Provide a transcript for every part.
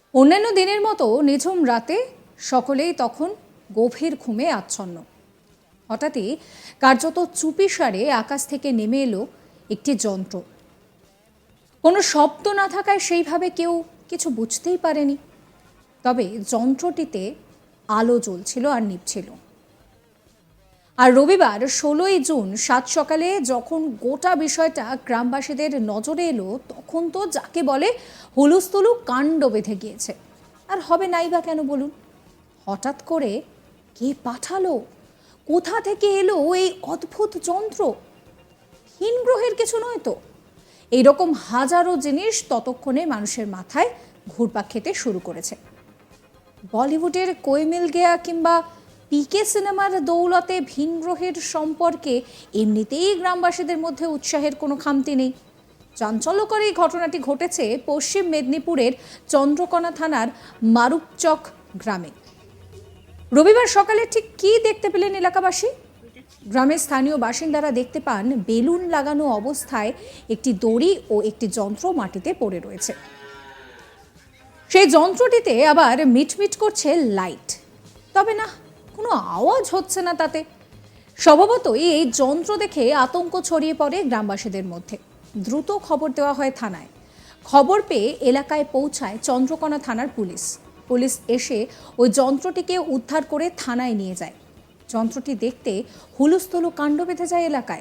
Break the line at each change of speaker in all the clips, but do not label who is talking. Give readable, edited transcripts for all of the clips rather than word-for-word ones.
অন্যান্য দিনের মতো নিঝুম রাতে সকলেই তখন গভীর ঘুমে আচ্ছন্ন। হঠাৎই কার্যত চুপিসারে আকাশ থেকে নেমে এলো একটি যন্ত্র। কোনো শব্দ না থাকায় সেইভাবে কেউ কিছু বুঝতেই পারেনি। তবে যন্ত্রটিতে আলো জ্বলছিল আর নিভছিল। আর রবিবার 16ই জুন সাত সকালে যখন গোটা বিষয়টা গ্রামবাসীদের নজরে এলো, তখন তো যাকে বলে হুলুস্থুলু কাণ্ড বেঁধে গিয়েছে। আর হবে নাই বা কেন বলুন? হঠাৎ করে কে পাঠালো, কোথা থেকে এলো এই অদ্ভুত যন্ত্র? ভিন গ্রহের কিছু নয় তো? এইরকম হাজারো জিনিস ততক্ষণে মানুষের মাথায় ঘুরপাক খেতে শুরু করেছে। বলিউডের কোই মিল গেয়া কিংবা পিকে সিনেমার দৌলতে ভিন গ্রহের সম্পর্কে এমনিতেই গ্রামবাসীদের মধ্যে উৎসাহের কোনো খামতি নেই। চাঞ্চল্যকর এই ঘটনাটি ঘটেছে পশ্চিম মেদিনীপুরের চন্দ্রকোনা থানার মারুপচক গ্রামে। রবিবার সকালে ঠিক কী দেখতে পেলেন এলাকাবাসী? গ্রামের স্থানীয় বাসিন্দারা দেখতে পান বেলুন লাগানো অবস্থায় একটি দড়ি ও একটি যন্ত্র মাটিতে পড়ে রয়েছে। সেই যন্ত্রটিতে আবার মিটমিট করছে লাইট, তবে না, কোনো আওয়াজ হচ্ছে না তাতে। স্বভাবতই এই যন্ত্র দেখে আতঙ্ক ছড়িয়ে পড়ে গ্রামবাসীদের মধ্যে। দ্রুত খবর দেওয়া হয় থানায়। খবর পেয়ে এলাকায় পৌঁছায় চন্দ্রকোনা থানার পুলিশ। পুলিশ এসে ওই যন্ত্রটিকে উদ্ধার করে থানায় নিয়ে যায়। যন্ত্রটি দেখতে হুলুস্থুলু কাণ্ড বেঁধে যায় এলাকায়।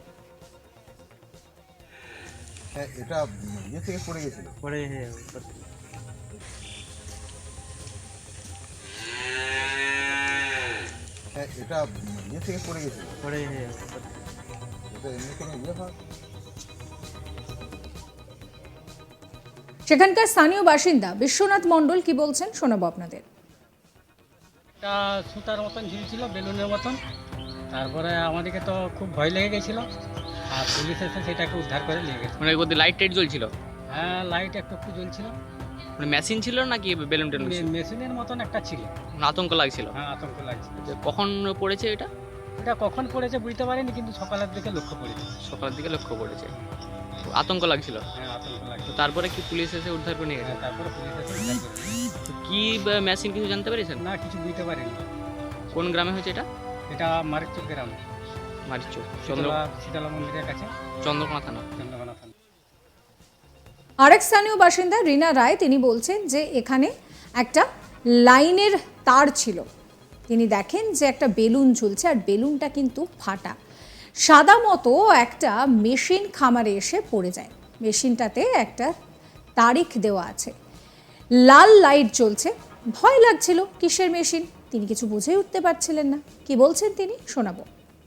এটা ইয়ে থেকে পড়ে গেছিল,
পরে
এটা ইয়ে থেকে পড়ে গেছিল,
পরে
এটা এমনি কোনো ইয়ে হয়।
সেখানকার স্থানীয় বাসিন্দা বিশ্বনাথ মণ্ডল কি বলছেন শোনাবো আপনাদের।
একটা সুতার মতন ঝুলছিল, বেলুনের মতন। তারপরে আমাদেরকে তো খুব ভয় লেগে গেছিলো, আর পুলিশ এসে সেটাকে উদ্ধার করে নিয়ে গেছে।
মানে ওদের লাইট টাইট জ্বলছিল?
হ্যাঁ, লাইট একটু একটু জ্বলছিল।
মানে মেশিন ছিল নাকি বেলুন টেলুন ছিল?
মেশিনের মতন একটা ছিল।
মানে আতঙ্ক লাগছিল?
হ্যাঁ, আতঙ্ক লাগছিল।
যে কখন পড়েছে এটা?
এটা কখন পড়েছে বুঝতে পারিনি, কিন্তু সকালের দিকে লক্ষ্য পড়েছে।
সকালের দিকে লক্ষ্য পড়েছে। তো আতঙ্ক লাগছিল?
হ্যাঁ, আতঙ্ক
তো
লাগছিল।
তারপরে কি পুলিশ এসে উদ্ধার করে নিয়ে গেছে?
হ্যাঁ, তারপরে পুলিশ এসে উদ্ধার করে নিয়ে গেছে।
তো কি মেশিন কিছু জানতে পেরেছেন?
না, কিছু বুঝতে পারিনি।
কোন গ্রামে হয়েছে এটা?
এটা মারিচুক গ্রাম,
মারিচুক,
শীতলা মন্দিরের কাছে,
চন্দ্রকোনা থানা।
চন্দ্রকোনা থানা।
আরেক স্থানীয় বাসিন্দা রীনা রায়, তিনি বলছেন যে এখানে একটা লাইনের তার ছিল। তিনি দেখেন যে একটা বেলুন ঝুলছে, আর বেলুনটা কিন্তু ফাটা। সাদা মতো একটা মেশিন খামারে এসে পড়ে যায়। মেশিনটাতে একটা তারিখ দেওয়া আছে, লাল লাইট জ্বলছে। ভয় লাগছিল, কিসের মেশিন তিনি কিছু বুঝেই উঠতে পারছিলেন না। কি বলছেন তিনি শোনাবো।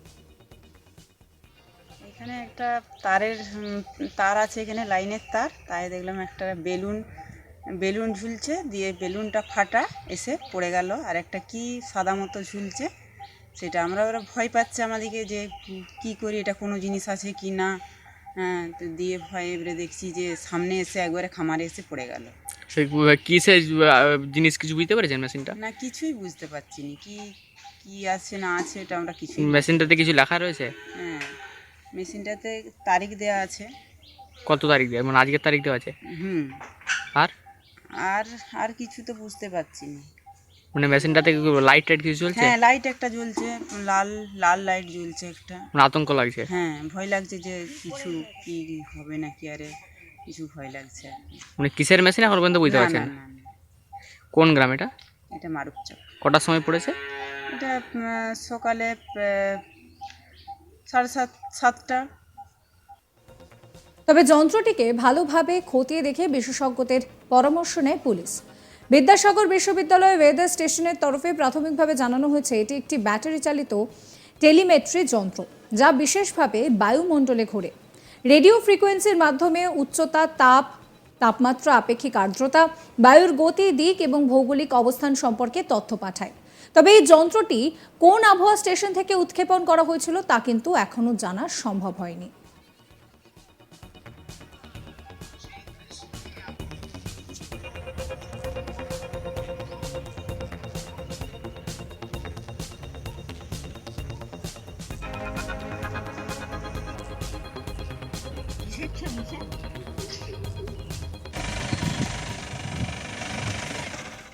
এখানে একটা তার আছে, এখানে লাইনের তার। তাই দেখলাম একটা বেলুন ঝুলছে, দিয়ে বেলুনটা ফাটা এসে পড়ে গেল। আর একটা কি সাদা মতো ঝুলছে, সেটা ওরা ভয় পাচ্ছে আমাদেরকে যে কি করি, এটা কোনো জিনিস আছে কি না। হ্যাঁ, তো দিয়ে ভয় এবারে দেখছি যে সামনে এসে একবারে খামারে এসে পড়ে গেল।
সে কিসের জিনিস কিছু বুঝতে পেরেছেন মেশিনটা?
না, কিছুই বুঝতে পারছি না, কি আছে না আছে, এটা আমরা কিছুই।
মেশিনটাতে কিছু লেখা রয়েছে?
হ্যাঁ, মেশিনটাতে তারিখ দেওয়া আছে।
কত তারিখ দেওয়া, মানে আজকের তারিখ দেওয়া আছে?
হুম।
আর
আর আর কিছু তো বুঝতে পারছি না।
মানে মেশিনটাতে লাইট টাইট কিছু চলছে?
হ্যাঁ, লাইট একটা জ্বলছে, লাল লাল লাইট জ্বলছে একটা।
মানে আতঙ্ক লাগছে?
হ্যাঁ, ভয় লাগছে যে কিছু কি হবে নাকি, আরে কিছু ভয় লাগছে আর কি।
মানে কিসের মেশিন এখন পর্যন্ত বুঝতে
না,
পারছেন?
না, না, না,
কোন গ্রাম এটা?
এটা মারুপচক।
কটার সময় পড়েছে?
এটা সকালে 7:30।
তবে যন্ত্রটিকে ভালোভাবে খতিয়ে দেখে বিশেষজ্ঞদের পরামর্শ নেয় পুলিশ। বিদ্যাসাগর বিশ্ববিদ্যালয় ওয়েদার স্টেশনের তরফে প্রাথমিকভাবে জানানো হয়েছে এটি একটি ব্যাটারি চালিত টেলিমেট্রি যন্ত্র, যা বিশেষভাবে বায়ুমণ্ডলে ঘোরে। রেডিও ফ্রিকোয়েন্সির মাধ্যমে উচ্চতা, তাপমাত্রা, আপেক্ষিক আর্দ্রতা, বায়ুর গতি, দিক এবং ভৌগোলিক অবস্থান সম্পর্কে তথ্য পাঠায়। তবে এই যন্ত্রটি কোন আবহাওয়া স্টেশন থেকে উৎক্ষেপণ করা হয়েছিল তা কিন্তু এখনো জানা সম্ভব হয়নি।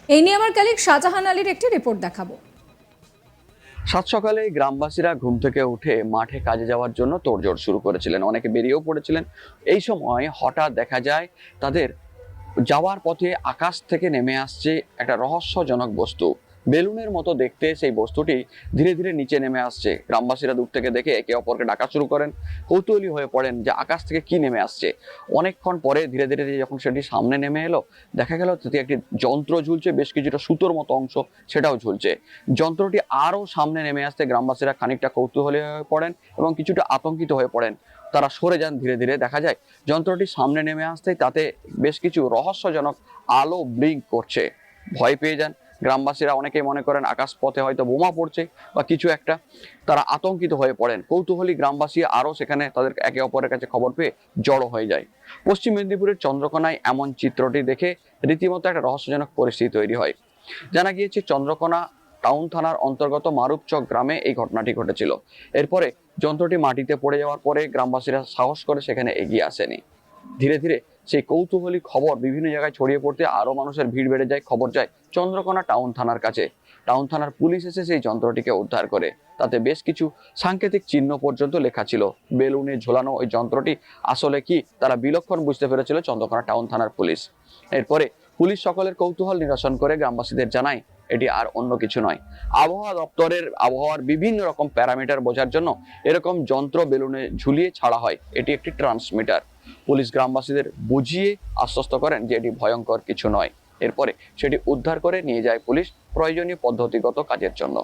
এই নিয়ে আমার কালিক শাহজাহান আলীর একটি রিপোর্ট দেখাবো।
সাত সকালে গ্রামবাসীরা ঘুম থেকে উঠে মাঠে কাজে যাওয়ার জন্য তোড়জোড় শুরু করেছিলেন, অনেকে বেরিয়েও পড়েছিলেন। এই সময় হঠাৎ দেখা যায় তাদের যাওয়ার পথে আকাশ থেকে নেমে আসছে একটা রহস্যজনক বস্তু। বেলুনের মতো দেখতে সেই বস্তুটি ধীরে ধীরে নিচে নেমে আসছে। গ্রামবাসীরা দূর থেকে দেখে একে অপরকে ডাকা শুরু করেন, কৌতূহলী হয়ে পড়েন যে আকাশ থেকে কি নেমে আসছে। অনেকক্ষণ পরে ধীরে ধীরে যখন সেটি সামনে নেমে এলো, দেখা গেল তাতে একটি যন্ত্র ঝুলছে, বেশ কিছুটা সুতোর মতো অংশ সেটাও ঝুলছে। যন্ত্রটি আরও সামনে নেমে আসতে গ্রামবাসীরা খানিকটা কৌতূহলী হয়ে পড়েন এবং কিছুটা আতঙ্কিত হয়ে পড়েন। তারা সরে যান ধীরে ধীরে। দেখা যায় যন্ত্রটি সামনে নেমে আসতেই তাতে বেশ কিছু রহস্যজনক আলো ব্লিঙ্ক করছে। ভয় পেয়ে যান গ্রামবাসীরা, অনেকেই মনে করেন আকাশ পথে হয়তো বোমা পড়ছে বা কিছু একটা। তারা আতঙ্কিত হয়ে পড়েন। কৌতূহলী গ্রামবাসী আরও সেখানে তাদের একে অপরের কাছে খবর পেয়ে জড়ো হয়ে যায়। পশ্চিম মেদিনীপুরের চন্দ্রকোনায় এমন চিত্রটি দেখে রীতিমতো একটা রহস্যজনক পরিস্থিতি তৈরি হয়। জানা গিয়েছে চন্দ্রকোনা টাউন থানার অন্তর্গত মারুপচক গ্রামে এই ঘটনাটি ঘটেছিল। এরপরে যন্ত্রটি মাটিতে পড়ে যাওয়ার পরে গ্রামবাসীরা সাহস করে সেখানে এগিয়ে আসেনি। ধীরে ধীরে সেই কৌতূহলী খবর বিভিন্ন জায়গায় ছড়িয়ে পড়তে আরো মানুষের ভিড় বেড়ে যায়। খবর যায় চন্দ্রকোনা টাউন থানার কাছে। টাউন থানার পুলিশ এসে সেই যন্ত্রটিকে উদ্ধার করে। তাতে বেশ কিছু সাংকেতিক চিহ্ন পর্যন্ত লেখা ছিল। বেলুনে ঝোলানো ওই যন্ত্রটি আসলে কি তারা বিলক্ষণ বুঝতে পেরেছিল চন্দ্রকোনা টাউন থানার পুলিশ। এরপরে পুলিশ সকলের কৌতূহল নিরসন করে গ্রামবাসীদের জানায় এটি আর অন্য কিছু নয়, আবহাওয়া দপ্তরের আবহাওয়ার বিভিন্ন রকম প্যারামিটার বোঝার জন্য এরকম যন্ত্র বেলুনে ঝুলিয়ে ছাড়া হয়। এটি একটি ট্রান্সমিটার। পুলিশ গ্রামবাসীদের বুঝিয়ে আশ্বস্ত করেন যে এটি ভয়ঙ্কর কিছু নয়। এরপরে সেটি উদ্ধার করে নিয়ে যায় পুলিশ প্রয়োজনীয় পদ্ধতিগত কাজের জন্য।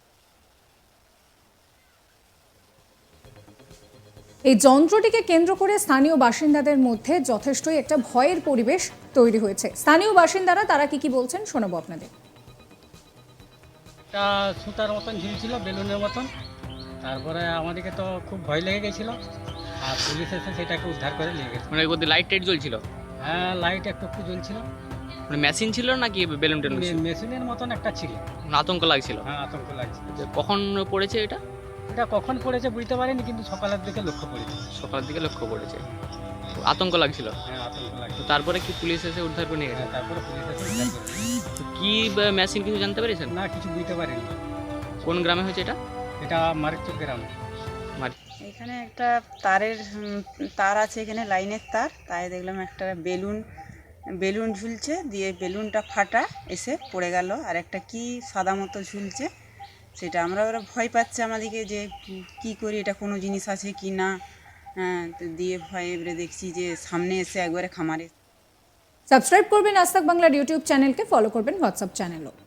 এই যন্ত্রটিকে কেন্দ্র করে স্থানীয় বাসিন্দাদের মধ্যে যথেষ্টই একটা ভয়ের পরিবেশ তৈরি হয়েছে। স্থানীয় বাসিন্দারা তারা কি বলছেন শোনাবো আপনাদের।
একটা সুতার মতন ঝুলছিল, বেলুনের মতন। তারপরে আমাদেরকে তো খুব ভয় লেগে গেছিল, আর পুলিশ এসে সেটাকে উদ্ধার করে নিয়ে গেছে।
মানে ওর মধ্যে লাইট টাইট জ্বলছিল?
হ্যাঁ, লাইট একটু একটু জ্বলছিল।
মানে মেশিন ছিল নাকি বেলুন টেলুন ছিল?
মেশিনের মতন একটা ছিল।
মানে আতঙ্ক লাগছিল?
হ্যাঁ, আতঙ্ক লাগছে।
যে কখন পড়েছে এটা?
এটা কখন পড়েছে বুঝতে পারিনি, কিন্তু সকালের দিকে লক্ষ্য করেছি।
সকালের দিকে লক্ষ্য পড়েছে। আতঙ্ক লাগছিল?
হ্যাঁ, আতঙ্ক লাগছে।
তো তারপরে কি পুলিশ এসে উদ্ধার করে নিয়ে গেছে?
হ্যাঁ, তারপরে পুলিশ এসে উদ্ধার করে নিয়ে গেছে।
তো কি মেশিন কিছু জানতে পেরেছেন?
না, কিছু বুঝতে পারিনি।
কোন গ্রামে হয়েছে এটা?
এটা মার্কচক গ্রাম।
এখানে একটা তারের তার আছে, এখানে লাইনের তার, তাই দেখলাম একটা বেলুন ঝুলছে, দিয়ে বেলুনটা ফাটা এসে পড়ে গেল, আর একটা কি সাদা মতো ঝুলছে। সেটা ওরা ভয় পাচ্ছে আমাদেরকে যে কি করি, এটা কোনো জিনিস আছে কি না। হ্যাঁ, তো দিয়ে ভয়ে এবারে দেখছি যে সামনে এসে একবারে খামারে।
সাবস্ক্রাইব করবেন আজ তাক বাংলার ইউটিউব চ্যানেলকে, ফলো করবেন হোয়াটসঅ্যাপ চ্যানেলও।